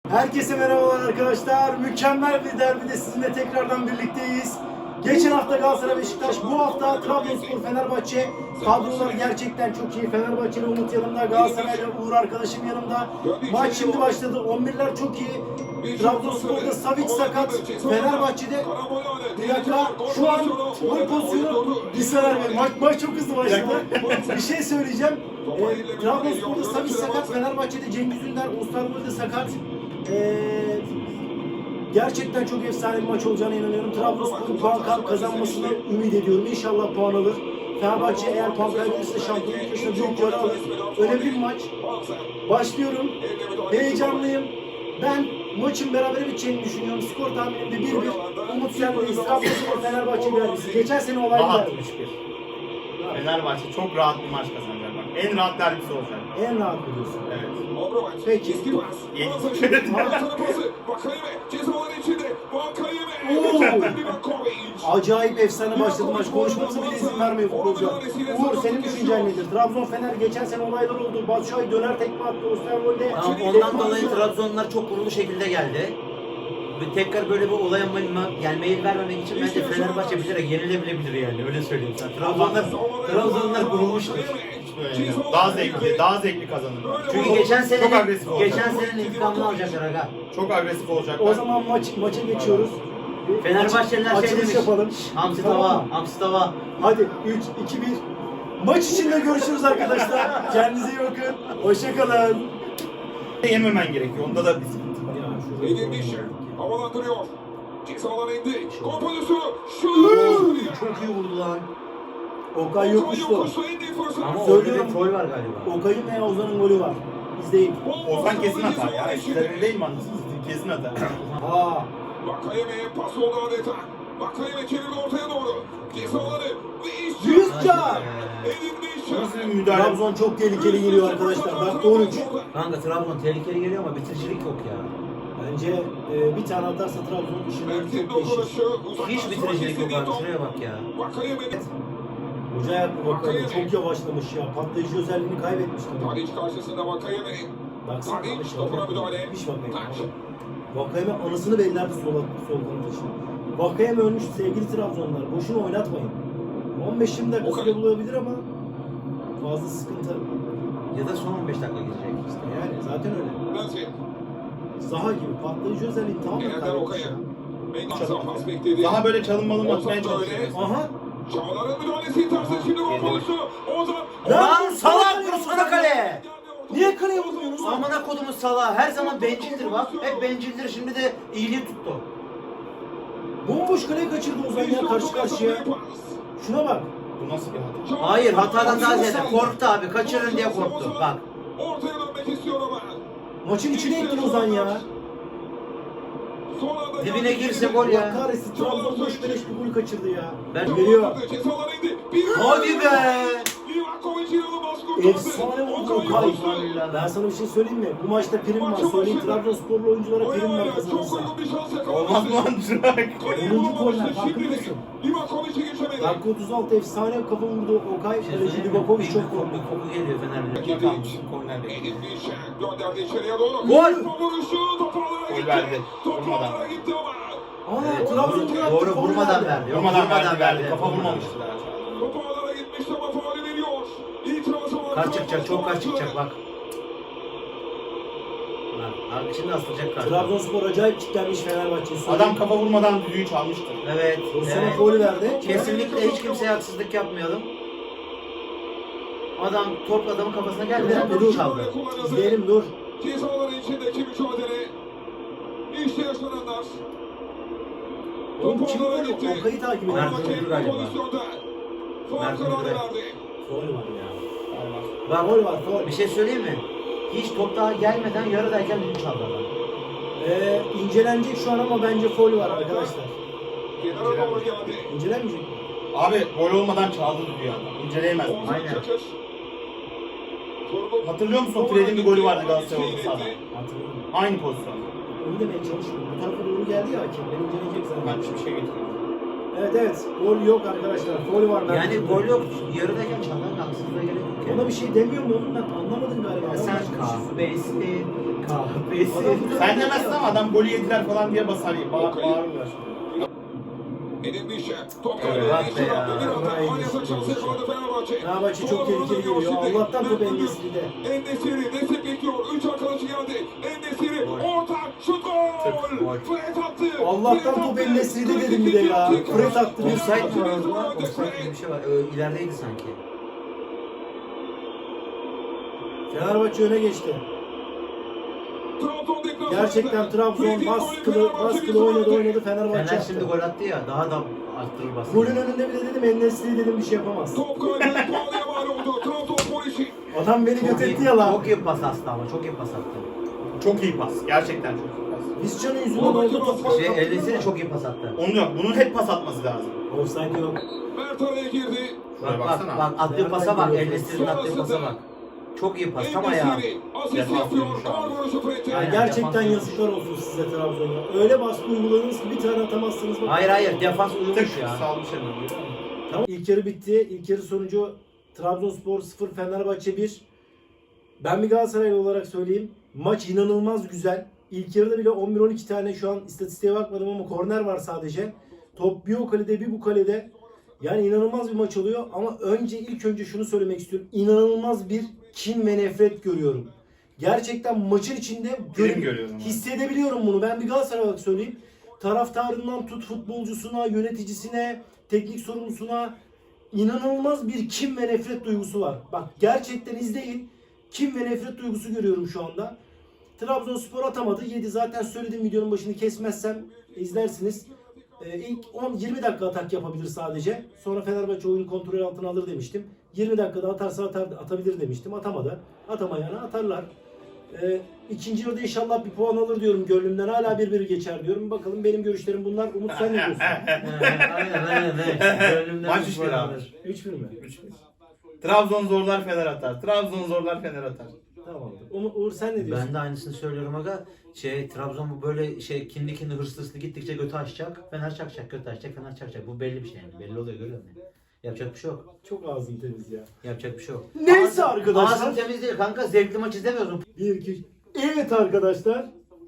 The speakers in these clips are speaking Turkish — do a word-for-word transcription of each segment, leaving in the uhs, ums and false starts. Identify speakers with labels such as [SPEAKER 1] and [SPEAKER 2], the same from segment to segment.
[SPEAKER 1] Herkese merhabalar arkadaşlar. Mükemmel bir derbide sizinle tekrardan birlikteyiz. Geçen hafta Galatasaray Beşiktaş, bu hafta Trabzonspor Fenerbahçe. Kadrolar gerçekten çok iyi. Fenerbahçeli Umut yanımda, Galatasaray'la Uğur arkadaşım yanımda. Maç şimdi başladı. on birler çok iyi. Trabzonspor'da Savic sakat. Fenerbahçe'de bir dakika şu an gol pozisyonu bir sefer maç, maç çok hızlı başladı. Bir şey söyleyeceğim. E, Trabzonspor'da Savic sakat. Fenerbahçe'de Cengiz Ünder, Osterwolde sakat. Ee, gerçekten çok efsane bir maç olacağına inanıyorum. Trabzonspor'un puan kazanmasını ümit ediyorum. İnşallah puan alır. Fenerbahçe eğer puan kaybederse şampiyonluk yarışına büyük yara alır. Önemli bir maç. Başlıyorum. Heyecanlıyım. Ben maçın berabere biteceğini düşünüyorum. Skor tahminimde bir bir. Umut sendeyiz. Trabzonspor Fenerbahçe derbisi. Geçen sene olaylı
[SPEAKER 2] Rahat
[SPEAKER 1] derbi.
[SPEAKER 2] üç bir. Fenerbahçe çok rahat bir maç kazanacak bak. En rahat derbisi olacak.
[SPEAKER 1] En rahat biliyorsun.
[SPEAKER 2] Evet.
[SPEAKER 1] Peki. Oo. Acayip efsane başladı maç. Konuşmamıza bile izin vermiyor futbolcular. Uğur, senin düşüncen nedir? Trabzon Fener geçen sene olaylar oldu. Batshuayi döner tekme attı. Osterwolde.
[SPEAKER 3] Tamam, ondan dolayı Trabzonlar çok kurulu şekilde geldi. Ve tekrar böyle bir olaya yani mail vermemek için bence Fenerbahçe bilerek yenilebilebilir yani, öyle söyleyeyim sana. Trabzonlar, Trabzonlar kurulmuştur.
[SPEAKER 2] Böyle daha zevkli, daha zevkli kazanır.
[SPEAKER 3] Çünkü
[SPEAKER 2] çok,
[SPEAKER 3] geçen sene
[SPEAKER 2] çok agresif olacak.
[SPEAKER 3] geçen senenin intikamını alacaklar aga.
[SPEAKER 2] Çok agresif olacaklar.
[SPEAKER 1] O zaman maç maça geçiyoruz.
[SPEAKER 3] Fenerbahçeliler
[SPEAKER 1] Maç,
[SPEAKER 3] şey demiş.
[SPEAKER 1] yapalım.
[SPEAKER 3] Hamsi
[SPEAKER 1] Tamam.
[SPEAKER 3] tava, hamsi tava.
[SPEAKER 1] Hadi üç, iki, bir. Maç içinde görüşürüz arkadaşlar. Kendinize iyi bakın. Hoşça kalın.
[SPEAKER 2] Yememen gerekiyor. Onda da bir sıkıntı var.
[SPEAKER 4] Edilmiş. Havalandırıyor. Cezalar indi. Gol pozisyonu. Şut.
[SPEAKER 3] Çok iyi vurdu lan.
[SPEAKER 1] Okay yokmuştu.
[SPEAKER 3] Ama
[SPEAKER 1] Söylüyorum.
[SPEAKER 3] orada bir troll var galiba.
[SPEAKER 1] Okay'ın veya Ozan'ın golü var. İzleyin.
[SPEAKER 2] Ozan kesin atar ya. Eskilerin değil mi anlasınız? Kesin atar.
[SPEAKER 1] Aa.
[SPEAKER 4] Vakayeme'ye pas oldu adeta. Vakayeme çevirdi ortaya doğru. Cezaları ve iş.
[SPEAKER 1] Yüzcan.
[SPEAKER 4] Edilmiş.
[SPEAKER 2] Nasıl bir müdahale?
[SPEAKER 1] Trabzon çok tehlikeli geliyor arkadaşlar. Dakika on üç.
[SPEAKER 3] Kanka Trabzon tehlikeli geliyor ama bitiricilik yok ya.
[SPEAKER 1] Bence e, bir tane atarsa Trabzon işini
[SPEAKER 4] Mert'in
[SPEAKER 1] çok değişir.
[SPEAKER 4] dokunuşu.
[SPEAKER 3] Hiç bitiricilik yok abi, şuraya bak ya.
[SPEAKER 4] Vakayeme'nin.
[SPEAKER 1] Hoca yaptı bakalım. Çok yavaşlamış ya. Patlayıcı özelliğini kaybetmiş.
[SPEAKER 4] Tadiç karşısında Vakayeme.
[SPEAKER 1] Baksana.
[SPEAKER 4] Tadiç topuna müdahale.
[SPEAKER 1] Hiç bakmayın. Vakayeme anasını bellerdi sol, sol kanat için. Vakayeme ölmüş sevgili Trabzonlar. Boşuna oynatmayın. on beş yirmi dakika süre bulabilir ama fazla sıkıntı.
[SPEAKER 3] Ya da son on beş dakika gidecek işte.
[SPEAKER 1] Yani zaten öyle.
[SPEAKER 4] Nazif.
[SPEAKER 1] Zaha gibi patlayıcı özelliği tamamen
[SPEAKER 4] Genelden
[SPEAKER 1] kaybetmiş.
[SPEAKER 4] Okaya. Mengiz'den pas bekledi.
[SPEAKER 2] Daha böyle çalınmalı mı atmaya
[SPEAKER 4] Ozan
[SPEAKER 2] çalışıyor.
[SPEAKER 4] böyle.
[SPEAKER 1] Aha.
[SPEAKER 4] Çağlar'ın müdahalesi tersi şimdi gol pozisyonu. Ozan.
[SPEAKER 3] Lan salak vursana kale!
[SPEAKER 1] Niye kaleye vurmuyorsunuz?
[SPEAKER 3] Amına kodumun salağı, her zaman bencildir bak. Hep bencildir, şimdi de iyiliği tuttu.
[SPEAKER 1] Bomboş kaleye kaçırdı Ozan ya karşı karşıya. Şuna bak.
[SPEAKER 2] Bu nasıl bir hata?
[SPEAKER 3] Hayır, hatadan daha ziyade korktu abi, kaçırın diye korktu. Bak.
[SPEAKER 4] Ortaya dönmek istiyor ama.
[SPEAKER 1] Maçın içine ettin Ozan ya.
[SPEAKER 4] Son anda
[SPEAKER 3] Dibine
[SPEAKER 4] geldi.
[SPEAKER 3] girse gol
[SPEAKER 1] Allah
[SPEAKER 3] ya.
[SPEAKER 1] kahretsin Trabzon boş beleş bir golü kaçırdı ya.
[SPEAKER 3] Ben-
[SPEAKER 1] Geliyor.
[SPEAKER 4] Cezalar indi. Bir
[SPEAKER 3] Hadi be!
[SPEAKER 4] Livakovic inanılmaz kurtardı.
[SPEAKER 1] Efsane vurdu Okay. Ben sana bir şey söyleyeyim mi? Bu maçta prim var. Söyleyeyim Trabzonsporlu oyunculara prim var
[SPEAKER 4] Çok
[SPEAKER 1] kazanırsa.
[SPEAKER 4] uygun bir şans yakaladı.
[SPEAKER 2] Olmaz mı lan Çırak?
[SPEAKER 1] onuncu korner, farkında mısın?
[SPEAKER 4] Livakovic'e geçemedi.
[SPEAKER 1] Dakika otuz altı efsane kafa vurdu Okay.
[SPEAKER 3] Şey
[SPEAKER 1] Kaleci
[SPEAKER 3] söyleyeyim mi?
[SPEAKER 1] Livakovic
[SPEAKER 3] Bir
[SPEAKER 1] çok
[SPEAKER 3] koku,
[SPEAKER 1] korktu.
[SPEAKER 3] bir koku geliyor Fener'de.
[SPEAKER 2] Kalmış. Kornerle.
[SPEAKER 4] Edilmiş. Gönderdi içeriye doğru.
[SPEAKER 3] Gol!
[SPEAKER 4] Vuruşu toparlara
[SPEAKER 2] Gol
[SPEAKER 4] gitti.
[SPEAKER 2] verdi. Vurmadan.
[SPEAKER 4] Toparlara gitti ama.
[SPEAKER 1] Ana
[SPEAKER 3] Evet,
[SPEAKER 1] Trabzon'un
[SPEAKER 3] doğru,
[SPEAKER 1] yaptı,
[SPEAKER 3] doğru
[SPEAKER 1] faul
[SPEAKER 3] vurmadan
[SPEAKER 1] verdi.
[SPEAKER 3] verdi. Yok,
[SPEAKER 2] Vurmadan verdi, verdi. Kafa vurmamıştı daha.
[SPEAKER 4] Toparlara gitmişti ama faulü veriyor. İtirazı var.
[SPEAKER 3] Kaç çıkacak, çok kaç çıkacak bak. Lan, abi şimdi asılacak karşı.
[SPEAKER 1] Trabzonspor acayip kitlenmiş Fenerbahçe'yi.
[SPEAKER 2] Adam kafa vurmadan düdüğü çalmıştır.
[SPEAKER 3] Evet,
[SPEAKER 1] Pozisyona
[SPEAKER 3] evet.
[SPEAKER 1] faul verdi.
[SPEAKER 3] Kesinlikle hiç kimseye haksızlık yapmayalım. Adam top adamın kafasına gelmeden düdüğü çaldı.
[SPEAKER 1] İzleyelim dur.
[SPEAKER 4] Cezaların içindeki mücadele. İşte yaşananlar.
[SPEAKER 1] Oğlum kim
[SPEAKER 4] Toparlara
[SPEAKER 1] vurdu?
[SPEAKER 4] gitti.
[SPEAKER 1] Okay'ı takip ediyor.
[SPEAKER 3] Mert
[SPEAKER 4] Hakem
[SPEAKER 3] Müldür galiba.
[SPEAKER 4] pozisyonda. Faul
[SPEAKER 3] Mert
[SPEAKER 4] kararı
[SPEAKER 3] Müldür.
[SPEAKER 4] verdi.
[SPEAKER 1] Faul var ya.
[SPEAKER 3] Bak,
[SPEAKER 1] Faul var faul.
[SPEAKER 3] bir şey söyleyeyim mi? Hiç top daha gelmeden yarıdayken düdüğü çaldı adam.
[SPEAKER 1] Ee, incelenecek şu an ama bence faul var arkadaşlar.
[SPEAKER 4] Kenara doğru geldi.
[SPEAKER 1] İncelenmeyecek mi?
[SPEAKER 2] Abi gol olmadan çaldı düdüğü adam. İnceleyemez.
[SPEAKER 4] Ozan
[SPEAKER 3] Aynen.
[SPEAKER 4] Çakır. Sorumlu-
[SPEAKER 2] Hatırlıyor musun? Fred'in bir golü vardı Galatasaray orta sahada.
[SPEAKER 1] Hatırlıyorum.
[SPEAKER 2] Aynı pozisyon.
[SPEAKER 1] Onu demeye çalışıyorum. Bu tarafa doğru geldi ya hakem. Ben inceleyecek zaten.
[SPEAKER 2] Ben bir şey getiriyorum.
[SPEAKER 1] Evet evet. Gol yok arkadaşlar. Faul var. Mert
[SPEAKER 3] Yani
[SPEAKER 1] Müldür.
[SPEAKER 3] gol yok, yarıdayken çalmanın haksızlığa gerek yok.
[SPEAKER 1] Ona bir şey demiyor mu oğlum ben anlamadım galiba.
[SPEAKER 3] Ya
[SPEAKER 1] Adam
[SPEAKER 3] sen
[SPEAKER 1] başka bir şey söylüyor.
[SPEAKER 3] kahvesin, Kahvesi.
[SPEAKER 2] Sen demezsin ama adam golü yediler falan diye basar. Bağır, bağırırlar.
[SPEAKER 4] Edin Bişer. Top
[SPEAKER 2] Evet,
[SPEAKER 4] kaybı.
[SPEAKER 3] bak be
[SPEAKER 4] Bir
[SPEAKER 3] ya.
[SPEAKER 4] anda Alyans'a şansı yakaladı Fenerbahçe.
[SPEAKER 1] Fenerbahçe çok tehlikeli geliyor. Allah'tan top En-Nesyri'de.
[SPEAKER 4] En-Nesyri destek bekliyor. Üç arkadaşı geldi. En-Nesyri orta şut gol.
[SPEAKER 3] Gol.
[SPEAKER 4] Fred attı.
[SPEAKER 1] Allah'tan top En-Nesyri'de dedim bir de ya. Fred attı.
[SPEAKER 3] Offside mi var orada? Offside gibi bir şey var. Ee, ilerideydi sanki.
[SPEAKER 1] Fenerbahçe öne geçti. Gerçekten Trabzon baskılı, baskılı oynadı oynadı Fenerbahçe
[SPEAKER 3] Fener şimdi
[SPEAKER 1] yaptı.
[SPEAKER 3] gol attı ya daha da arttırır baskıyı.
[SPEAKER 1] Golün önünde bile dedim En-Nesyri dedim bir şey yapamaz.
[SPEAKER 4] Top kaybı. Pahalıya mal oldu. Trabzonspor işi.
[SPEAKER 1] Adam beni
[SPEAKER 3] Çok iyi,
[SPEAKER 1] götetti ya lan.
[SPEAKER 3] çok iyi pas attı ama çok iyi pas attı.
[SPEAKER 2] Çok iyi pas. Gerçekten çok iyi pas.
[SPEAKER 1] Vizcan'ın yüzünden oldu top.
[SPEAKER 3] Şey Eldesi de çok iyi pas attı.
[SPEAKER 2] Onun yok. Bunun hep pas atması lazım.
[SPEAKER 1] Offside yok.
[SPEAKER 4] Mert araya girdi.
[SPEAKER 2] Şuraya
[SPEAKER 3] Bak bak
[SPEAKER 2] baksana.
[SPEAKER 3] bak attığı pasa bak. Eldesi'nin attığı pasa bak. Çok iyi pas tam ayağı.
[SPEAKER 4] En-Nesyri asist
[SPEAKER 2] Defans
[SPEAKER 4] yapıyor.
[SPEAKER 2] oyuncu şu an.
[SPEAKER 4] Ağır vuruşu Fred'e.
[SPEAKER 1] Yani
[SPEAKER 3] Aynen,
[SPEAKER 1] gerçekten
[SPEAKER 3] defans
[SPEAKER 1] yazıklar olsun size Trabzon'a. Öyle baskı uyguladınız ki bir tane atamazsınız. Bak.
[SPEAKER 3] Hayır hayır defans
[SPEAKER 2] Tık
[SPEAKER 3] uyumuş ya.
[SPEAKER 2] salmış hemen.
[SPEAKER 1] Tamam. İlk yarı bitti. İlk yarı sonucu Trabzonspor sıfır, Fenerbahçe bir. Ben bir Galatasaraylı olarak söyleyeyim. Maç inanılmaz güzel. İlk yarıda bile on bir on iki tane şu an istatistiğe bakmadım ama korner var sadece. Top bir o kalede bir bu kalede. Yani inanılmaz bir maç oluyor ama önce ilk önce şunu söylemek istiyorum. İnanılmaz bir kin ve nefret görüyorum. Gerçekten maçın içinde gör-
[SPEAKER 2] Film görüyorum.
[SPEAKER 1] hissedebiliyorum bunu. Ben bir Galatasaray olarak söyleyeyim. Taraftarından tut futbolcusuna, yöneticisine, teknik sorumlusuna inanılmaz bir kin ve nefret duygusu var. Bak gerçekten izleyin. Kin ve nefret duygusu görüyorum şu anda. Trabzonspor atamadı. yedi zaten söyledim videonun başını kesmezsem izlersiniz. Ee, ilk on yirmi dakika atak yapabilir sadece. Sonra Fenerbahçe oyunu kontrol altına alır demiştim. yirmi dakikada atarsa atar, atabilir demiştim. Atamadı. Atamayana atarlar. Ee, ikinci yarıda inşallah bir puan alır diyorum gönlümden. Hala bir bir geçer diyorum. Bakalım benim görüşlerim bunlar. Umut sen ne diyorsun?
[SPEAKER 3] Aynen aynen aynen. Gönlümden
[SPEAKER 2] Maç
[SPEAKER 3] bir
[SPEAKER 2] işleri
[SPEAKER 3] gol
[SPEAKER 2] abi.
[SPEAKER 3] alır.
[SPEAKER 1] üç bir mi?
[SPEAKER 2] Trabzon zorlar Fener atar. Trabzon zorlar Fener atar.
[SPEAKER 1] Tamamdır. Umut, Uğur sen ne diyorsun?
[SPEAKER 3] Ben de aynısını söylüyorum aga. Şey Trabzon bu böyle şey kinli kinli hırslı hırslı gittikçe götü açacak. Fener çakacak, götü açacak, Fener çakacak. Bu belli bir şey yani. Belli oluyor görüyor musun? Yapacak bir şey yok.
[SPEAKER 1] Çok ağzın temiz ya.
[SPEAKER 3] Yapacak bir şey yok.
[SPEAKER 1] Neyse
[SPEAKER 3] Ağzın-
[SPEAKER 1] arkadaşlar.
[SPEAKER 3] Ağzın temiz değil kanka. Zevkli maç izlemiyorsun.
[SPEAKER 1] Bir, iki, evet arkadaşlar.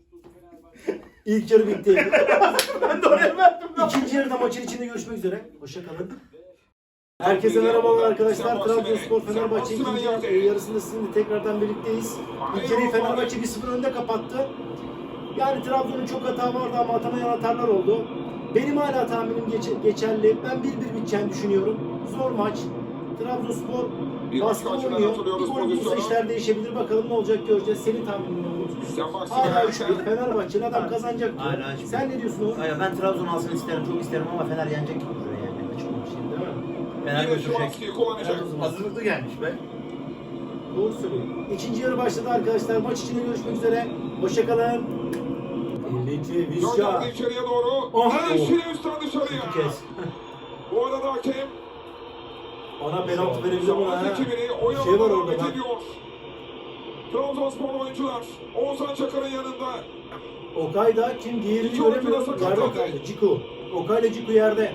[SPEAKER 1] İlk yarı bitti.
[SPEAKER 2] Ben de oraya verdim.
[SPEAKER 1] İkinci yarıda maçın içinde görüşmek üzere. Hoşçakalın. Herkese merhabalar arkadaşlar. Trabzonspor Fenerbahçe ikinci e, yarısında sizinle tekrardan birlikteyiz. İlk yarıyı Fenerbahçe bir sıfır önde kapattı. Yani Trabzon'un çok hata vardı ama atamayan hatalar oldu. Benim hala tahminim geç- geçerli. Ben bir bir biteceğini düşünüyorum. Zor maç. Trabzonspor baskı oynuyor. Bir gol bulursa işler değişebilir. Bakalım ne olacak göreceğiz. Senin tahminin ne olur? Hala üç bir. Fenerbahçe'li adam kazanacak diyor.
[SPEAKER 3] Hala üç bir.
[SPEAKER 1] Sen ne diyorsun Uğur?
[SPEAKER 3] Hayır ben Trabzon alsın isterim, çok isterim ama Fener yenecek gibi duruyor yani. Açık konuşayım.
[SPEAKER 1] Değil mi?
[SPEAKER 3] Fener
[SPEAKER 4] Yine
[SPEAKER 3] götürecek.
[SPEAKER 4] Şimanski'yi kullanacak.
[SPEAKER 2] Hazırlıklı gelmiş be.
[SPEAKER 1] Doğru söylüyor. İkinci yarı başladı arkadaşlar. Maç içinde görüşmek üzere. Hoşçakalın. Ellici Vizca.
[SPEAKER 4] Gönderdi içeriye doğru.
[SPEAKER 1] Aha.
[SPEAKER 4] Erişine üstten dışarıya.
[SPEAKER 3] Bir kez.
[SPEAKER 4] Bu arada hakem
[SPEAKER 1] Ona penaltı verebilir buna
[SPEAKER 4] savaş
[SPEAKER 1] ha.
[SPEAKER 4] ekibini
[SPEAKER 1] Bir
[SPEAKER 4] oyuna
[SPEAKER 1] şey var
[SPEAKER 4] devam
[SPEAKER 1] orada bak.
[SPEAKER 4] ediyor. Trabzonspor oyuncular Oğuzhan Çakır'ın yanında.
[SPEAKER 1] Okay da kim diğerini
[SPEAKER 4] İki oyuncu
[SPEAKER 1] göremiyorum.
[SPEAKER 4] da
[SPEAKER 1] Yerde
[SPEAKER 4] sakatlandı.
[SPEAKER 1] kaldı. Ciku. Okay ile Ciku yerde.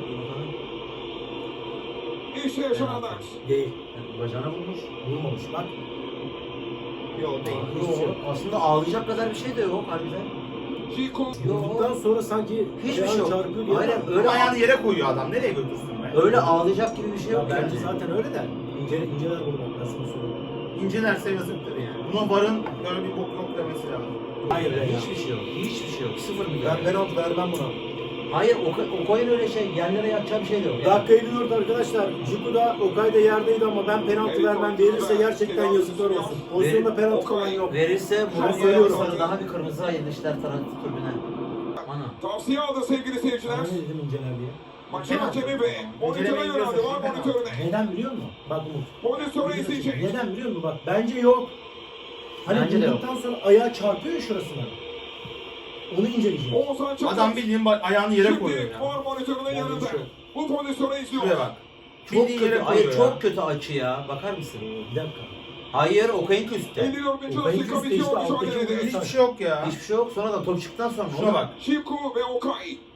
[SPEAKER 4] İşte yaşananlar.
[SPEAKER 1] Değil.
[SPEAKER 3] Bacağına vurmuş.
[SPEAKER 1] Vurmamış bak.
[SPEAKER 2] Yok değil.
[SPEAKER 3] Yok. Aslında ağlayacak kadar bir şey de yok harbiden.
[SPEAKER 4] Ciku.
[SPEAKER 1] Vurduktan sonra sanki
[SPEAKER 3] Hiçbir
[SPEAKER 1] ayağını
[SPEAKER 3] şey yok.
[SPEAKER 1] çarpıyor diye.
[SPEAKER 3] Aynen
[SPEAKER 1] bak.
[SPEAKER 3] öyle
[SPEAKER 2] Öyle ayağını yere koyuyor adam. Nereye götürsün be?
[SPEAKER 3] öyle ağlayacak gibi bir şey
[SPEAKER 1] Ya
[SPEAKER 3] yok
[SPEAKER 1] bence
[SPEAKER 3] yani.
[SPEAKER 1] zaten öyle de. İnce, inceler bunu bak. Nasıl bir soru.
[SPEAKER 2] İncelerse yazıktır yani. Buna varın böyle bir bok yok demesi lazım.
[SPEAKER 1] Hayır ya.
[SPEAKER 3] Hiçbir şey yok. Hiçbir şey yok. Sıfır milyon.
[SPEAKER 1] Ben penaltı vermem buna.
[SPEAKER 3] Hayır o, o koyun öyle şey. Yerlere yatacağı bir şey de yok. Yani.
[SPEAKER 1] Dakika elli dört arkadaşlar. Ciku da Okay da yerdeydi ama ben penaltı vermem. Verirse gerçekten yazıklar olsun. Pozisyonda penaltı falan yok.
[SPEAKER 3] Verirse
[SPEAKER 1] Ben
[SPEAKER 3] Mourinho'ya
[SPEAKER 1] söylüyorum.
[SPEAKER 3] sarı daha bir kırmızı ayırmışlar tarafı tribüne. Ana.
[SPEAKER 4] Tavsiye aldı sevgili seyirciler.
[SPEAKER 1] Ben ne dedim inceler diye.
[SPEAKER 4] Maçın hakemi ve monitöre
[SPEAKER 2] İnceleme
[SPEAKER 4] yöneldi. Var
[SPEAKER 2] izliyorsun.
[SPEAKER 4] monitörüne.
[SPEAKER 1] Neden biliyor musun? Bak Umut.
[SPEAKER 4] Monitöre izleyecek.
[SPEAKER 1] Neden biliyor musun? Bak bence yok. Hani
[SPEAKER 3] Bence de yok.
[SPEAKER 1] vurduktan sonra ayağı çarpıyor ya şurasına. Onu inceleyeceğim.
[SPEAKER 4] Oğuzhan Çakır.
[SPEAKER 2] Adam bildiğin ba- ayağını yere koyuyor
[SPEAKER 4] Şimdi
[SPEAKER 2] ya.
[SPEAKER 4] var monitörünün
[SPEAKER 1] Yani
[SPEAKER 4] yanında.
[SPEAKER 1] bir şey.
[SPEAKER 4] Bu pozisyonu izliyor.
[SPEAKER 2] Şuraya bak.
[SPEAKER 3] Çok
[SPEAKER 2] Bildiğin
[SPEAKER 3] kötü.
[SPEAKER 2] yere
[SPEAKER 3] Hayır
[SPEAKER 2] koyuyor ya.
[SPEAKER 3] çok kötü açı ya. Bakar mısın?
[SPEAKER 1] Bir dakika.
[SPEAKER 3] Hayır Okay'ın üstte.
[SPEAKER 4] elli dördüncü
[SPEAKER 1] O benim
[SPEAKER 4] dakika
[SPEAKER 1] üstte işte,
[SPEAKER 4] bitiyor
[SPEAKER 1] alttaki
[SPEAKER 4] mücadelede.
[SPEAKER 1] oyuncu.
[SPEAKER 2] Hiçbir şey yok ya.
[SPEAKER 3] Hiçbir şey yok. Sonra da top çıktıktan sonra.
[SPEAKER 2] Şuna bak.
[SPEAKER 4] Şiku ve Okay.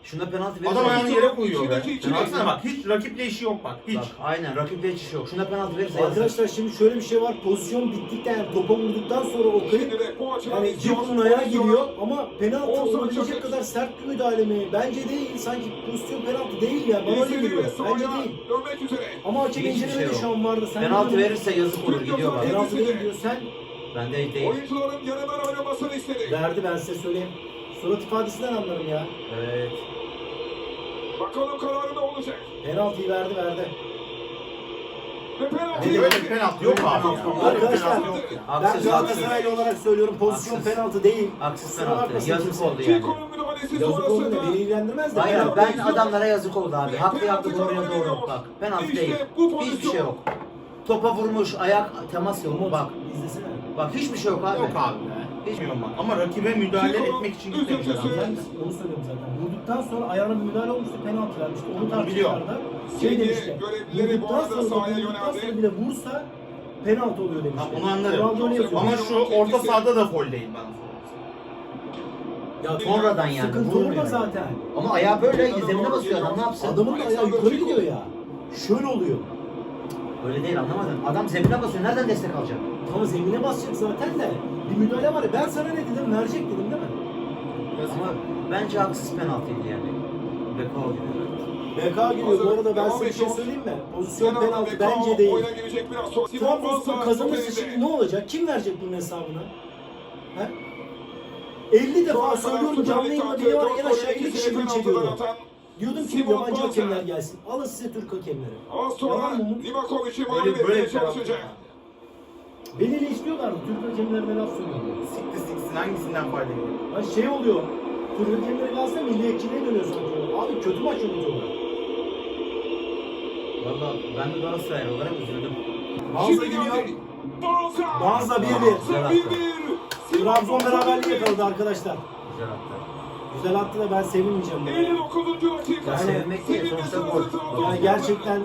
[SPEAKER 3] Şuna penaltı verirse...
[SPEAKER 2] Adam ayağını yere koyuyor be.
[SPEAKER 4] İçindeki içine.
[SPEAKER 2] Baksana bak hiç rakiple işi yok bak. Hiç.
[SPEAKER 3] Bak aynen rakiple hiç işi yok. Şuna penaltı verirse yazık.
[SPEAKER 1] Arkadaşlar şimdi şöyle bir şey var. Pozisyon bittikten yani topa vurduktan sonra o kayıp
[SPEAKER 4] Şimdi de bu açıdan
[SPEAKER 1] yani
[SPEAKER 4] izliyoruz.
[SPEAKER 1] Cikun'un ayağı giriyor ama penaltı
[SPEAKER 4] Offside
[SPEAKER 1] olabilecek
[SPEAKER 4] çakır.
[SPEAKER 1] kadar sert bir müdahale mi? Bence değil. Sanki pozisyon penaltı değil ya. Bana öyle
[SPEAKER 4] İzledi
[SPEAKER 1] geliyor.
[SPEAKER 4] ve
[SPEAKER 1] Bence
[SPEAKER 4] sahaya
[SPEAKER 1] değil.
[SPEAKER 4] dönmek üzere.
[SPEAKER 1] Ama hakem
[SPEAKER 3] Hiçbir
[SPEAKER 1] incelemede
[SPEAKER 3] şey
[SPEAKER 1] şu
[SPEAKER 3] yok.
[SPEAKER 1] an vardı. Sen
[SPEAKER 3] Penaltı
[SPEAKER 1] ne
[SPEAKER 3] verirse yazık olur gidiyor bak.
[SPEAKER 1] Penaltı değil diyor. Sen
[SPEAKER 3] Bende değil.
[SPEAKER 4] Oyuncuların yanından oynamasını istedi.
[SPEAKER 1] verdi ben size söyleyeyim. Surat ifadesinden anlarım ya.
[SPEAKER 3] Evet.
[SPEAKER 4] Bakalım kararı ne olacak?
[SPEAKER 1] Penaltıyı verdi verdi.
[SPEAKER 4] Ve penaltı.
[SPEAKER 2] Böyle bir penaltı yok abi ya. Böyle bir
[SPEAKER 1] Arkadaşlar
[SPEAKER 2] penaltı yok ya.
[SPEAKER 1] ben
[SPEAKER 3] Haksız,
[SPEAKER 1] Galatasaraylı olarak söylüyorum pozisyon
[SPEAKER 3] Haksız.
[SPEAKER 1] penaltı değil.
[SPEAKER 3] Haksız
[SPEAKER 1] Kusura
[SPEAKER 3] penaltı.
[SPEAKER 1] bakmasın
[SPEAKER 3] Yazık
[SPEAKER 1] kimse.
[SPEAKER 3] oldu yani.
[SPEAKER 4] Cikun'un müdahalesi
[SPEAKER 1] Yazık oldu
[SPEAKER 4] sonrasında.
[SPEAKER 1] da beni ilgilendirmez de.
[SPEAKER 3] Hayır
[SPEAKER 1] penaltı
[SPEAKER 3] ben
[SPEAKER 1] değil.
[SPEAKER 3] adamlara yazık oldu abi. Haklı yaptı doğruya doğru. Bak penaltı
[SPEAKER 4] İşte
[SPEAKER 3] değil.
[SPEAKER 4] bu
[SPEAKER 3] Hiçbir
[SPEAKER 4] pozisyon.
[SPEAKER 3] şey yok. Topa vurmuş, ayak temas yok.
[SPEAKER 1] Umut,
[SPEAKER 3] Bak.
[SPEAKER 1] izlesene.
[SPEAKER 3] Bak hiçbir şey yok abi.
[SPEAKER 2] Yok abi be. Hiç mi yok bak. Ama rakibe müdahale etmek için gitmemiş adam.
[SPEAKER 1] Ben de onu söylüyorum zaten. Vurduktan sonra ayağına bir müdahale olmuştu, penaltı vermişti. Onu
[SPEAKER 2] Biliyorum.
[SPEAKER 1] tartışmışlardı. Şey
[SPEAKER 4] Sevgili
[SPEAKER 1] demişti.
[SPEAKER 4] görevlileri bu
[SPEAKER 1] Vurduktan
[SPEAKER 4] arada
[SPEAKER 1] sonra,
[SPEAKER 4] sahaya
[SPEAKER 1] vurduktan
[SPEAKER 4] yöneldi.
[SPEAKER 1] sonra bile vursa penaltı oluyor demişti.
[SPEAKER 2] Tamam, onu anlarım.
[SPEAKER 1] Ronaldo öyle yazıyor.
[SPEAKER 2] Ama şu orta sahada da foul değil bana.
[SPEAKER 1] Ya
[SPEAKER 3] Sonradan yani.
[SPEAKER 1] sıkıntı
[SPEAKER 3] vurmuyor.
[SPEAKER 1] orada zaten.
[SPEAKER 3] Ama ayağı böyle zemine basıyor adam ne yapsın?
[SPEAKER 1] Adamın da ayağı yukarı gidiyor ya. Şöyle oluyor.
[SPEAKER 3] Öyle değil anlamadım. Adam zemine basıyor. Nereden destek alacak?
[SPEAKER 1] Tamam zemine basacak zaten de. Bir müdahale var ya. Ben sana ne dedim? Verecek dedim değil mi?
[SPEAKER 3] Ama bence haksız penaltıydı yani. Bekao gibi.
[SPEAKER 1] B K giriyor. Bu arada ben size bir şey söyleyeyim mi? Pozisyon penaltı bence değil.
[SPEAKER 4] Oyuna girecek biraz sonra. Simon
[SPEAKER 1] Trabzonspor
[SPEAKER 4] Banza
[SPEAKER 1] kazanırsa
[SPEAKER 4] top
[SPEAKER 1] şimdi
[SPEAKER 4] elinde.
[SPEAKER 1] ne olacak? Kim verecek bunun hesabını? He? elli defa söylüyorum canlı yayında beni var en aşağı elli kişi bunu çekiyordu. Diyordum ki
[SPEAKER 4] Simon
[SPEAKER 1] yabancı
[SPEAKER 4] Banza.
[SPEAKER 1] hakemler gelsin. Alın size Türk hakemleri.
[SPEAKER 4] Az sonra
[SPEAKER 1] Yalan mı Umut?
[SPEAKER 4] Livakovic'i mağlup
[SPEAKER 2] Böyle böyle
[SPEAKER 4] etmeye
[SPEAKER 2] bir penaltı.
[SPEAKER 4] çalışacak.
[SPEAKER 1] Beni eleştiriyorlardı. Türk hakemlerine laf söylüyordu.
[SPEAKER 2] Sikti siksin hangisinden fayda geliyor?
[SPEAKER 1] Ha şey oluyor. Türk hakemleri gelse milliyetçiliğe dönüyor sanki. Abi kötü maç yönetiyorlar.
[SPEAKER 3] Valla ben de Galatasaraylı olarak üzüldüm.
[SPEAKER 1] Banza
[SPEAKER 4] Şimdi
[SPEAKER 1] gidiyor.
[SPEAKER 4] geldi. Banza.
[SPEAKER 1] Banza bir bir.
[SPEAKER 4] Banza bir bir.
[SPEAKER 1] Trabzon beraberliği yakaladı arkadaşlar.
[SPEAKER 3] Güzel attı.
[SPEAKER 1] Güzel attı da ben sevinmeyeceğim. buna.
[SPEAKER 4] elli dokuzuncu dakika.
[SPEAKER 3] Ya sevinmek değil, sonuçta gol.
[SPEAKER 1] Yani gerçekten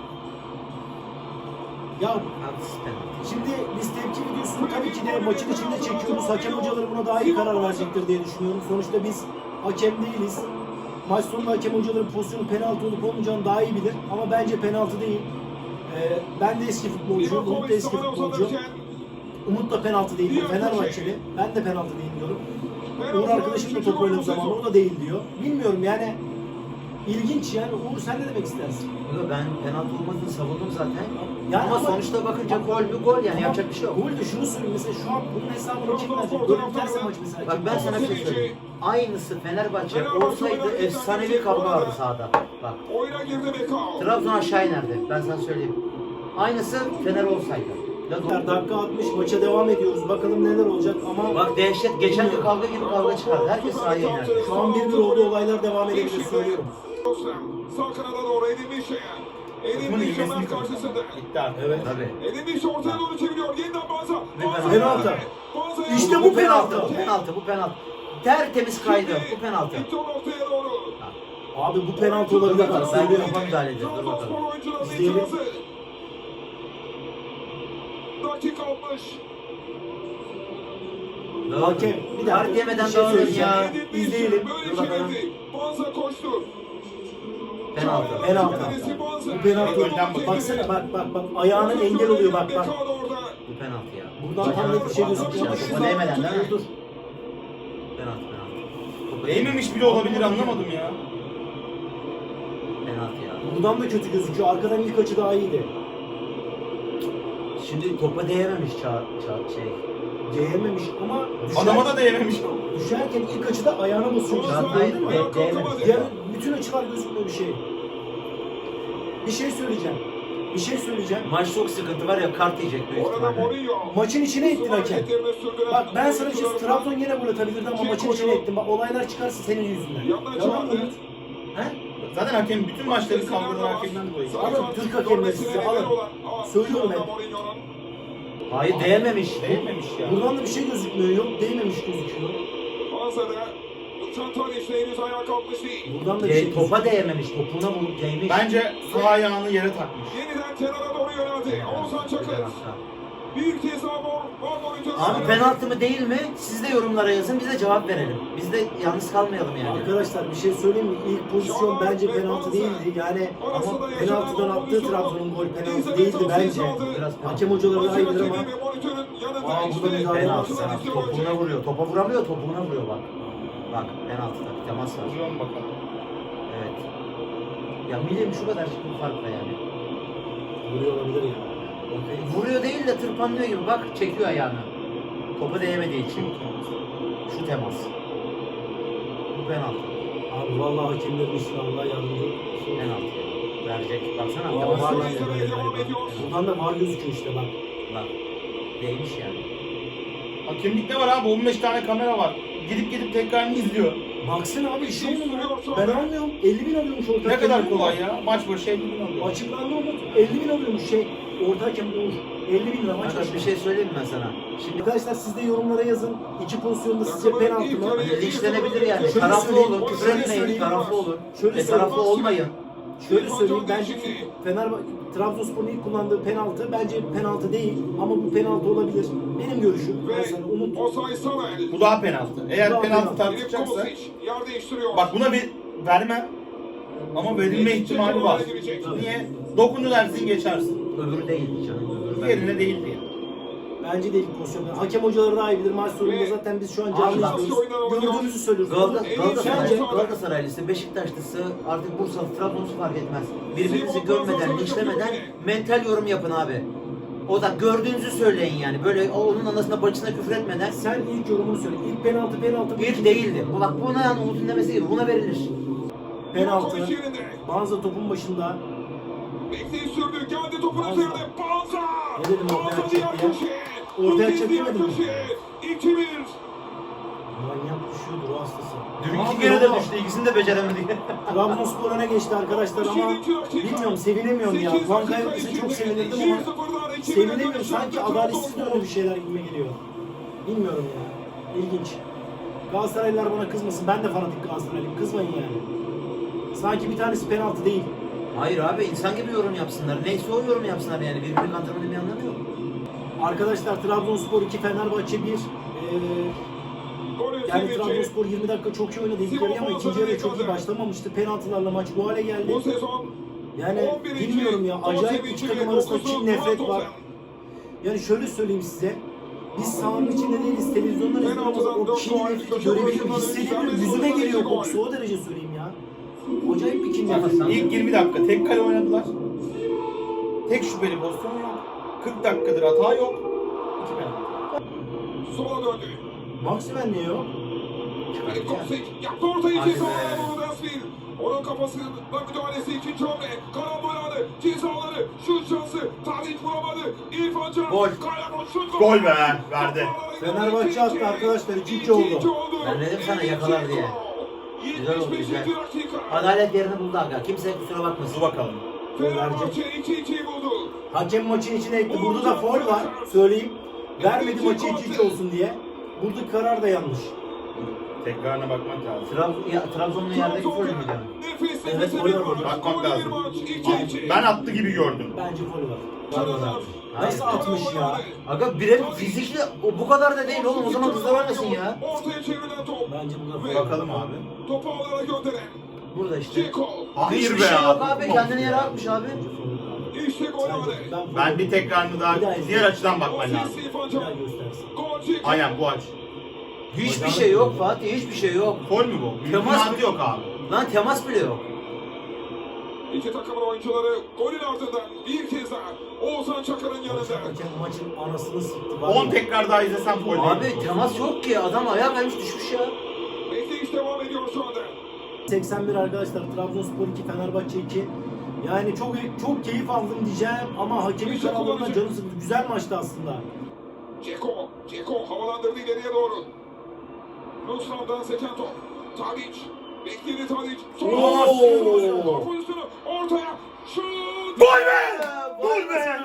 [SPEAKER 1] ya
[SPEAKER 3] Haksız penaltı.
[SPEAKER 1] şimdi biz tepki videosunu tabii ki de maçın içinde çekiyoruz. Hakem hocaları buna daha iyi karar verecektir diye düşünüyorum. Sonuçta biz hakem değiliz. Maç sonunda hakem hocaların pozisyonu penaltı olup olmayacağını daha iyi bilir. Ama bence penaltı değil. Ee, ben de eski futbolcuyum. Umut da eski futbolcu. Umut da penaltı değil diyor. Fenerbahçeli. Ben de penaltı değil diyorum. Uğur arkadaşım da top oynadığı zaman o da değil diyor. Bilmiyorum yani. İlginç yani. Uğur sen ne demek istersin?
[SPEAKER 3] Yo, ben penaltı olmadığını savundum zaten.
[SPEAKER 1] Yani
[SPEAKER 3] ama,
[SPEAKER 1] ama-
[SPEAKER 3] sonuçta bakınca gol bir gol yani yapacak bir şey yok.
[SPEAKER 1] Gol de şunu söyleyeyim mesela şu an bunun hesabını kim verecek? Böyle biterse maç mesela.
[SPEAKER 3] Bak
[SPEAKER 1] kim
[SPEAKER 3] ben
[SPEAKER 1] verecek?
[SPEAKER 3] sana bir şey söyleyeyim. Aynısı Fenerbahçe olsaydı efsanevi kavga vardı sahada. Bak
[SPEAKER 4] Oyuna girdi Bekao.
[SPEAKER 3] Trabzon aşağı inerdi. Ben sana söyleyeyim. Aynısı Fener olsaydı. Ya,
[SPEAKER 1] Dakika altmış maça devam ediyoruz. Bakalım neler olacak ama
[SPEAKER 3] bak dehşet. Geçenki kavga gibi kavga çıkardı. Herkes sahaya inerdi.
[SPEAKER 1] şu an bir bir oldu olaylar devam edebilir söylüyorum.
[SPEAKER 4] Sağ kanada doğru Edin Mişe'ye. Edin
[SPEAKER 2] Takımın
[SPEAKER 4] Mişe
[SPEAKER 2] ilmesini
[SPEAKER 4] Mert karşısında.
[SPEAKER 2] Gitti artık.
[SPEAKER 1] Evet.
[SPEAKER 3] Tabii.
[SPEAKER 4] Edin Mişe ortaya doğru çeviriyor. Yeniden Banza. Banza
[SPEAKER 1] Penaltı.
[SPEAKER 4] Banza
[SPEAKER 1] İşte
[SPEAKER 4] yaptı.
[SPEAKER 1] bu penaltı.
[SPEAKER 3] Bu penaltı. Bu penaltı. Tertemiz kaydı. Bu penaltı.
[SPEAKER 4] Gitti o noktaya doğru.
[SPEAKER 1] Abi bu penaltı olabilir.
[SPEAKER 3] Bak,
[SPEAKER 1] Ben
[SPEAKER 3] ben
[SPEAKER 1] söylüyorum.
[SPEAKER 3] kafa müdahale edeceğiz. Dur bakalım.
[SPEAKER 4] Trabzonspor oyuncularının
[SPEAKER 1] İzleyelim.
[SPEAKER 4] itirazı. Dakika altmış.
[SPEAKER 1] Hakem bir dakika.
[SPEAKER 3] Kart yemeden
[SPEAKER 1] Bir şey
[SPEAKER 3] dağılın
[SPEAKER 1] söyleyeceğim.
[SPEAKER 3] ya.
[SPEAKER 4] Edin Mişe
[SPEAKER 1] İzleyelim.
[SPEAKER 4] böyle
[SPEAKER 3] Dur bakalım.
[SPEAKER 4] çevirdi. Banza koştu.
[SPEAKER 3] Penaltı.
[SPEAKER 1] Penaltı. Bu penaltı.
[SPEAKER 2] Önden bak.
[SPEAKER 1] Baksana bak bak bak ayağının engel oluyor bak bak.
[SPEAKER 4] Bekao da orada.
[SPEAKER 3] Bu penaltı ya.
[SPEAKER 1] Buradan tam net bir şey gözüküyor.
[SPEAKER 3] Topa değmeden değil mi?
[SPEAKER 1] Dur.
[SPEAKER 3] Penaltı penaltı. Topa
[SPEAKER 2] Değmemiş bile olabilir anlamadım ya.
[SPEAKER 3] Penaltı ya.
[SPEAKER 1] Buradan da kötü gözüküyor. Arkadan ilk açı daha iyiydi.
[SPEAKER 3] Şimdi topa değememiş ça ça şey.
[SPEAKER 1] Değememiş ama düşer,
[SPEAKER 2] Adama da değmemiş.
[SPEAKER 1] düşerken ilk açıda ayağına basıyor.
[SPEAKER 3] Çağatay
[SPEAKER 1] Anladın mı?
[SPEAKER 3] de- değememiş.
[SPEAKER 1] Diğer bütün açılar gözükmüyor bir şey. Bir şey söyleyeceğim. Bir şey söyleyeceğim.
[SPEAKER 3] Maç çok sıkıntı var ya kart yiyecek büyük
[SPEAKER 4] Orada
[SPEAKER 3] ihtimalle.
[SPEAKER 4] Mourinho.
[SPEAKER 1] Maçın içine ettin hakem.
[SPEAKER 4] Hareketlerini sürdüren
[SPEAKER 1] Bak ben sana bir şey
[SPEAKER 4] oyuncularından-
[SPEAKER 1] Trabzon yine gol atabilirdi ama maçın içine ettin. Bak olaylar çıkarsa senin yüzünden.
[SPEAKER 4] Yandan
[SPEAKER 1] Yalan mı?
[SPEAKER 4] çıkardı.
[SPEAKER 1] He?
[SPEAKER 2] Zaten hakem bütün maçları kavgadan hakemden dolayı.
[SPEAKER 1] Alın Türk hakemleri size alın. Söylüyorum ben.
[SPEAKER 3] Hayır değememiş.
[SPEAKER 2] Değmemiş ya.
[SPEAKER 1] Buradan da bir şey gözükmüyor. Yok değmemiş gözüküyor.
[SPEAKER 4] Bansa'da Çantar işte henüz ayağa kalkmış değil.
[SPEAKER 1] Buradan da bir şey
[SPEAKER 3] De,
[SPEAKER 1] gözüküyor.
[SPEAKER 3] topa değememiş. Topuna vur değmiş.
[SPEAKER 2] Bence sağ ayağını yere takmış.
[SPEAKER 4] Yeniden kenara doğru yöneldi. Oğuzhan
[SPEAKER 3] Güzel
[SPEAKER 4] Çakır.
[SPEAKER 3] hata.
[SPEAKER 4] Bir kez daha var. Var monitör.
[SPEAKER 3] Abi penaltı mı değil mi? Siz de yorumlara yazın, biz de cevap verelim. Biz de yalnız kalmayalım yani.
[SPEAKER 1] Arkadaşlar bir şey söyleyeyim mi? İlk pozisyon bence penaltı değildi. Yani ama penaltıdan attığı Trabzon'un gol penaltı değildi bence.
[SPEAKER 3] Biraz
[SPEAKER 1] Hakem hocaları daha iyidir ama.
[SPEAKER 4] Aa,
[SPEAKER 1] bu da müdahale
[SPEAKER 3] Penaltı
[SPEAKER 1] var.
[SPEAKER 3] sana topuğuna vuruyor. Topa vuramıyor, topuğuna vuruyor bak. Bak penaltıda bir temas var.
[SPEAKER 2] Vuruyor mu bakalım?
[SPEAKER 3] Evet. Ya milim şu kadar çıkın farkla yani.
[SPEAKER 1] Vuruyor olabilir ya.
[SPEAKER 3] Vuruyor değil de tırpanlıyor gibi bak çekiyor ayağını. Topa değemediği için. Şu temas. Bu penaltı.
[SPEAKER 1] Abi vallahi hakemlerin işine Allah yardımcı olsun.
[SPEAKER 3] Penaltı. Verecek. Baksana
[SPEAKER 1] Aa,
[SPEAKER 3] temas
[SPEAKER 1] var
[SPEAKER 3] var.
[SPEAKER 1] lan ya böyle galiba. Buradan da var gözüküyor işte bak.
[SPEAKER 3] Bak. Değmiş yani.
[SPEAKER 2] Hakemlikte var abi, on beş tane kamera var. Gidip gidip tekrarını izliyor.
[SPEAKER 1] Baksana abi işi olmuyor. Ben almıyorum. elli bin alıyormuş orta
[SPEAKER 2] Ne
[SPEAKER 1] hakem.
[SPEAKER 2] kadar kolay ya. Maç başı elli bin alıyor.
[SPEAKER 1] Açıklandı Umut. elli bin alıyormuş şey. Orta hakem Uğur. elli bin lira maç
[SPEAKER 3] Arkadaş
[SPEAKER 1] başı.
[SPEAKER 3] bir şey söyleyeyim mi ben sana? Şimdi
[SPEAKER 1] Arkadaşlar siz de yorumlara yazın. İki pozisyonda sizce penaltı mı?
[SPEAKER 3] hani linçlenebilir yani.
[SPEAKER 1] Şöyle
[SPEAKER 3] Taraflı
[SPEAKER 1] söyleyeyim,
[SPEAKER 3] olun, küfür
[SPEAKER 1] şöyle
[SPEAKER 3] etmeyin,
[SPEAKER 1] söyleyeyim.
[SPEAKER 3] taraflı olun.
[SPEAKER 1] Şöyle
[SPEAKER 3] Ve taraflı
[SPEAKER 1] söyleyeyim.
[SPEAKER 3] olmayın.
[SPEAKER 1] Şöyle söyleyeyim, bence Fenerbahçe, Trabzonspor'un ilk kullandığı penaltı bence penaltı değil ama bu penaltı olabilir. Benim görüşüm. Ben sana Umut.
[SPEAKER 4] Osay Samuel.
[SPEAKER 2] Bu daha penaltı. Eğer
[SPEAKER 1] Bu daha
[SPEAKER 2] penaltı
[SPEAKER 1] penaltı.
[SPEAKER 4] Filip
[SPEAKER 2] tartışacaksa,
[SPEAKER 4] Kovacic yer değiştiriyor.
[SPEAKER 2] bak buna bir vermem. Ama verilme ihtimali var. Niye? Dokundu dersin geçersin.
[SPEAKER 3] Öbürü değil canım. Öbürü ben-
[SPEAKER 2] Diğerine değildi yani.
[SPEAKER 1] Bence de ilk pozisyon. Hakem hocaları daha iyi bilir. Maç sonunda zaten biz şu an canlı
[SPEAKER 3] Allah.
[SPEAKER 1] izliyoruz. Gördüğümüzü söylüyoruz.
[SPEAKER 3] Galata-
[SPEAKER 1] Bence
[SPEAKER 3] Galatasaray, Galatasaraylısı, Beşiktaşlısı, artık Bursalı, Trabzonlusu fark etmez. Birbirinizi görmeden, linçlemeden mental yorum yapın abi. O da gördüğünüzü söyleyin yani. Böyle onun anasına bacısına küfür etmeden.
[SPEAKER 1] sen ilk yorumunu söyle. İlk penaltı penaltı.
[SPEAKER 3] Bir değildi. Bu bak buna yani Umut'un demesi gibi buna verilir.
[SPEAKER 1] Penaltı.
[SPEAKER 4] Kovacic yerinde.
[SPEAKER 1] Banza topun başında.
[SPEAKER 4] Bekleyin sürdü. Geldi topun
[SPEAKER 1] Banza.
[SPEAKER 4] üzerine. Banza.
[SPEAKER 1] Ne dedim ortaya
[SPEAKER 4] Banza diğer
[SPEAKER 1] atacak diye?
[SPEAKER 4] köşeye.
[SPEAKER 1] Ortaya
[SPEAKER 4] İkinci diğer
[SPEAKER 1] atacak demedim mi?
[SPEAKER 4] köşeye. iki bir.
[SPEAKER 1] Manyak düşüyordur o hastası.
[SPEAKER 3] Dün
[SPEAKER 1] Ne
[SPEAKER 3] iki
[SPEAKER 1] yapıyor
[SPEAKER 3] kere de
[SPEAKER 1] oğlum?
[SPEAKER 3] düştü. İkisini de beceremedi.
[SPEAKER 1] Trabzonspor öne geçti arkadaşlar ama bilmiyorum sevinemiyorum ya. Puan kaybetmesi çok sevinirdim ama sevinemiyorum. Sanki adaletsiz böyle bir şeyler gibi geliyor. Bilmiyorum ya. İlginç. Galatasaraylılar bana kızmasın. Ben de fanatik Galatasaraylıyım. Kızmayın yani. Sanki bir tanesi penaltı değil.
[SPEAKER 3] Hayır abi insan gibi yorum yapsınlar. Neyse o yorum yapsınlar yani. Birbirinin antrenmanı bir anlamı yok.
[SPEAKER 1] Arkadaşlar Trabzonspor iki, Fenerbahçe bir. Ee, yani Trabzonspor yirmi dakika çok iyi oynadı ilk yarı ama ikinci yarıya çok iyi başlamamıştı. Penaltılarla maç bu hale geldi.
[SPEAKER 4] Bu sezon
[SPEAKER 1] Yani bilmiyorum ya, acayip iki takım arasında çift nefret var. Yani şöyle söyleyeyim size. Biz sahanın içinde değiliz, televizyondan izliyoruz ama o kin nefreti görebiliyorum, hissediyorum, yüzüme geliyor kokusu, o derece söyleyeyim ya. Acayip bir kin nefreti.
[SPEAKER 2] İlk yirmi dakika tek kale oynadılar. Tek şüpheli pozisyon yok. kırk dakikadır hata yok. İki penaltı.
[SPEAKER 4] Sola döndü.
[SPEAKER 1] Maximen niye yok?
[SPEAKER 4] Filip Kovacic yaptı ortayı
[SPEAKER 3] Hadi
[SPEAKER 4] ceza
[SPEAKER 3] be.
[SPEAKER 4] alanı Dasville. Onun kafasına müdahalesi ikinci hamle. Karambol aldı. Cezaları. Şut şansı. Tadic vuramadı. İrfan Can.
[SPEAKER 3] Gol.
[SPEAKER 4] Kaya boşluk.
[SPEAKER 2] Gol be, verdi.
[SPEAKER 1] Fenerbahçe attı arkadaşlar, iki iki oldu.
[SPEAKER 3] Ben dedim sana yakalar diye. Güzel oldu, güzel. Adalet yerini buldu aga. Kimse kusura bakmasın.
[SPEAKER 2] Dur bakalım.
[SPEAKER 4] Fenerbahçe iki ikiyi buldu.
[SPEAKER 1] Hakem maçın içine ekti. Burada da faul var, söyleyeyim. Vermedi maçı iki iki olsun diye. Burada karar da yanlış.
[SPEAKER 2] Tekrarına bakmak lazım.
[SPEAKER 3] Trab ya, Trabzon'un yerdeki gol mü yani?
[SPEAKER 4] Nefis
[SPEAKER 1] Evet,
[SPEAKER 4] nefis
[SPEAKER 1] gol
[SPEAKER 4] bir
[SPEAKER 1] var.
[SPEAKER 4] maç.
[SPEAKER 2] Bakmak
[SPEAKER 4] Golü bir
[SPEAKER 2] lazım.
[SPEAKER 4] maç. iki iki.
[SPEAKER 2] Ben attı gibi gördüm.
[SPEAKER 1] Bence faul var.
[SPEAKER 4] Çalımlar.
[SPEAKER 1] Nasıl atmış ya?
[SPEAKER 3] Aga bire fizikli o bu kadar da değil oğlum o zaman hızlı vermesin ya.
[SPEAKER 4] Ortaya çevrilen top.
[SPEAKER 1] Bence burada
[SPEAKER 4] Ve
[SPEAKER 1] faul.
[SPEAKER 2] Bakalım abi.
[SPEAKER 4] Topu ağlara gönderen.
[SPEAKER 3] Burada işte.
[SPEAKER 4] Ceko.
[SPEAKER 2] Hayır
[SPEAKER 3] Hiçbir
[SPEAKER 2] be
[SPEAKER 3] şey yok
[SPEAKER 2] abi.
[SPEAKER 3] abi kendini yere atmış abi.
[SPEAKER 4] İşte gol
[SPEAKER 1] Bence
[SPEAKER 4] anı.
[SPEAKER 1] ben,
[SPEAKER 2] Ben bir tekrarını daha diğer açıdan bakman lazım.
[SPEAKER 4] Ofis İrfan
[SPEAKER 1] bir
[SPEAKER 4] Can.
[SPEAKER 1] daha göstersin.
[SPEAKER 4] Gol Ceko.
[SPEAKER 2] Aynen bu aç.
[SPEAKER 3] Hiçbir şey yok Fatih hiçbir şey yok.
[SPEAKER 2] Gol mü bu?
[SPEAKER 3] Temas
[SPEAKER 2] Mümkünatı yok abi.
[SPEAKER 3] Lan temas bile yok.
[SPEAKER 4] İki takımın oyuncuları golün ardından bir kez daha Oğuzhan Çakır'ın yanında.
[SPEAKER 1] Hakem maçın anasını sıktı. var
[SPEAKER 2] on
[SPEAKER 1] ya.
[SPEAKER 2] tekrar daha izlesem gol değil.
[SPEAKER 3] Abi temas yok ki adam ayağa kaymış düşmüş ya.
[SPEAKER 4] Bekleyiş devam ediyor şu anda.
[SPEAKER 1] seksen bir arkadaşlar. Trabzonspor iki, Fenerbahçe iki. Yani çok çok keyif aldım diyeceğim ama hakemin kararlarına canım sıktı. Güzel maçtı aslında.
[SPEAKER 4] Ceko. Ceko havalandırdı ileriye doğru. Nusran'dan seken top. Tadic. Bekledi Tadic.
[SPEAKER 1] Oo!
[SPEAKER 4] Sol pozisyonu. Ortaya. Şut.
[SPEAKER 2] Gol be! Gol be!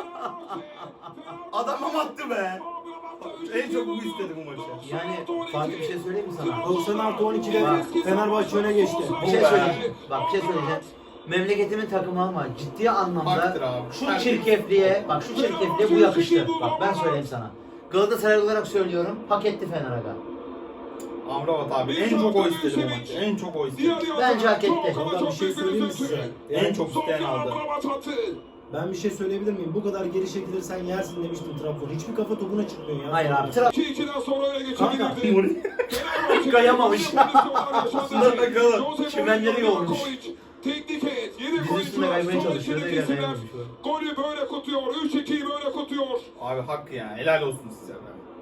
[SPEAKER 2] Adamım attı be! En çok bu istedi bu maçı.
[SPEAKER 3] Yani Fatih bir şey söyleyeyim mi sana?
[SPEAKER 1] doksan artı on ikide Fenerbahçe öne geçti.
[SPEAKER 3] Bir şey
[SPEAKER 2] be.
[SPEAKER 3] söyleyeceğim. Bak bir şey söyleyeceğim. memleketimin takımı ama ciddi anlamda
[SPEAKER 2] Haktır abi.
[SPEAKER 3] şu
[SPEAKER 2] Herkes-
[SPEAKER 3] çirkefliğe, bak şu çirkefliğe bu yakıştı. Bak ben söyleyeyim sana. Galatasaray olarak söylüyorum, hak etti Fener aga.
[SPEAKER 2] Amrabat abi en çok o istedi bu maçı. En çok o istedi.
[SPEAKER 3] Bence hak etti.
[SPEAKER 1] Vallahi bir şey söyleyeyim mi size?
[SPEAKER 2] En çok isteyen aldı.
[SPEAKER 1] Ben bir şey söyleyebilir miyim? Bu kadar geri çekilirsen yersin demiştim Trabzon. Hiçbir kafa topuna çıkmıyor ya.
[SPEAKER 3] Hayır abi, Trabzon
[SPEAKER 4] iki ikiden sonra öne
[SPEAKER 1] Kanka,
[SPEAKER 4] geçebilirdi.
[SPEAKER 3] Kayamamış.
[SPEAKER 2] Aslında bakalım.
[SPEAKER 3] Çimenleri yolmuş.
[SPEAKER 4] Teknik heyet, yedek
[SPEAKER 3] Dizi üstüne
[SPEAKER 4] oyuncular,
[SPEAKER 3] kaymaya
[SPEAKER 4] son
[SPEAKER 3] çalışıyor,
[SPEAKER 4] ikili
[SPEAKER 3] ne
[SPEAKER 4] kesimler.
[SPEAKER 3] kayamamış.
[SPEAKER 4] Golü böyle kutluyor, üç ikiyi böyle kutluyor.
[SPEAKER 2] Abi hak ya. Helal olsun size be.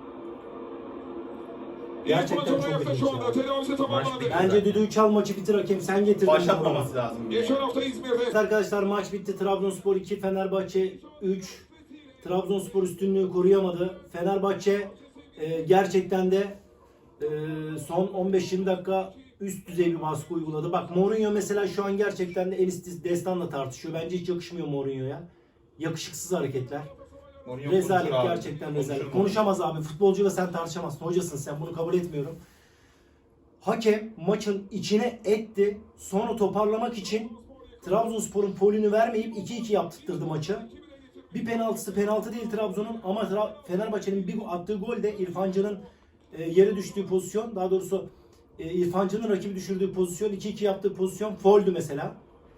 [SPEAKER 1] Gerçekten
[SPEAKER 4] İlk maç
[SPEAKER 1] çok
[SPEAKER 4] ayakta
[SPEAKER 1] ilginç
[SPEAKER 4] şu anda
[SPEAKER 1] ya.
[SPEAKER 4] tedavisi tamamlandı.
[SPEAKER 3] bitti.
[SPEAKER 1] Bence düdüğü çal, maçı bitir hakem. Sen getirdin.
[SPEAKER 2] Başlatmaması lazım.
[SPEAKER 4] Geçen hafta İzmir'de
[SPEAKER 1] Evet arkadaşlar, maç bitti. Trabzonspor iki, Fenerbahçe üç. Trabzonspor üstünlüğü koruyamadı. Fenerbahçe e, gerçekten de e, son on beş yirmi dakika üst düzey bir baskı uyguladı. Bak Mourinho mesela şu an gerçekten de Enis Destan'la tartışıyor. Bence hiç yakışmıyor Mourinho'ya. Yakışıksız hareketler.
[SPEAKER 2] Mourinho
[SPEAKER 1] Rezalet,
[SPEAKER 2] konuşur abi.
[SPEAKER 1] gerçekten
[SPEAKER 2] Konuşur
[SPEAKER 1] rezalet.
[SPEAKER 2] mu?
[SPEAKER 1] Konuşamaz abi. Futbolcuyla sen tartışamazsın. Hocasın sen. Bunu kabul etmiyorum. Hakem maçın içine etti. Sonra toparlamak için Trabzonspor'un polünü vermeyip iki iki yaptırdı maçı. Bir penaltısı penaltı değil Trabzon'un ama Tra- Fenerbahçe'nin bir attığı gol de İrfan Can'ın e, yere düştüğü pozisyon. Daha doğrusu e, İrfan Can'ın rakibi düşürdüğü pozisyon, iki iki yaptığı pozisyon fauldü mesela.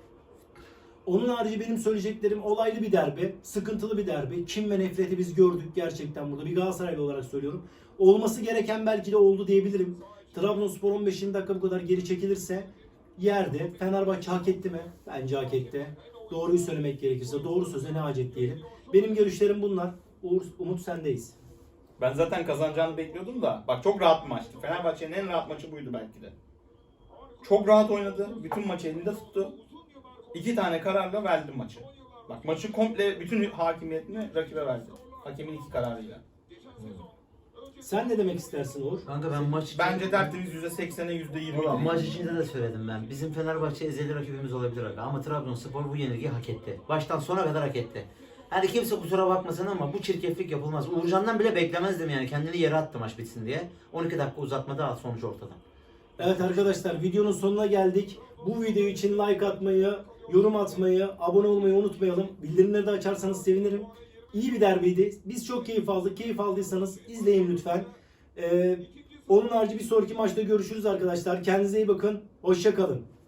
[SPEAKER 1] Onun harici benim söyleyeceklerim olaylı bir derbi, sıkıntılı bir derbi. Kim ve nefreti biz gördük gerçekten burada. Bir Galatasaraylı olarak söylüyorum. Olması gereken belki de oldu diyebilirim. Trabzonspor on beş dakika bu kadar geri çekilirse yerde. Fenerbahçe hak etti mi? Bence hak etti. Doğruyu söylemek gerekirse doğru söze ne hacet diyelim. Benim görüşlerim bunlar. Uğur, Umut sendeyiz.
[SPEAKER 2] Ben zaten kazanacağını bekliyordum da. Bak çok rahat bir maçtı. Fenerbahçe'nin en rahat maçı buydu belki de. Çok rahat oynadı. Bütün maçı elinde tuttu. İki tane kararla verdi maçı. Bak maçı komple bütün hakimiyetini rakibe verdi. Hakemin iki kararıyla.
[SPEAKER 1] Sen ne demek istersin Uğur?
[SPEAKER 3] Kanka ben maç için...
[SPEAKER 2] Bence tertemiz yüzde seksene yüzde yirmi.
[SPEAKER 3] Valla maç içinde de söyledim ben. Bizim Fenerbahçe ezeli rakibimiz olabilir aga. Ama Trabzonspor bu yenilgiyi hak etti. Baştan sona kadar hak etti. Hani kimse kusura bakmasın ama bu çirkeflik yapılmaz. Uğurcan'dan bile beklemezdim yani. Kendini yere attı maç bitsin diye. on iki dakika uzatmada sonuç ortada.
[SPEAKER 1] Evet arkadaşlar, videonun sonuna geldik. Bu video için like atmayı, yorum atmayı, abone olmayı unutmayalım. Bildirimleri de açarsanız sevinirim. İyi bir derbiydi. Biz çok keyif aldık. Keyif aldıysanız izleyin lütfen. Ee, onun harici bir sonraki maçta görüşürüz arkadaşlar. Kendinize iyi bakın. Hoşça kalın.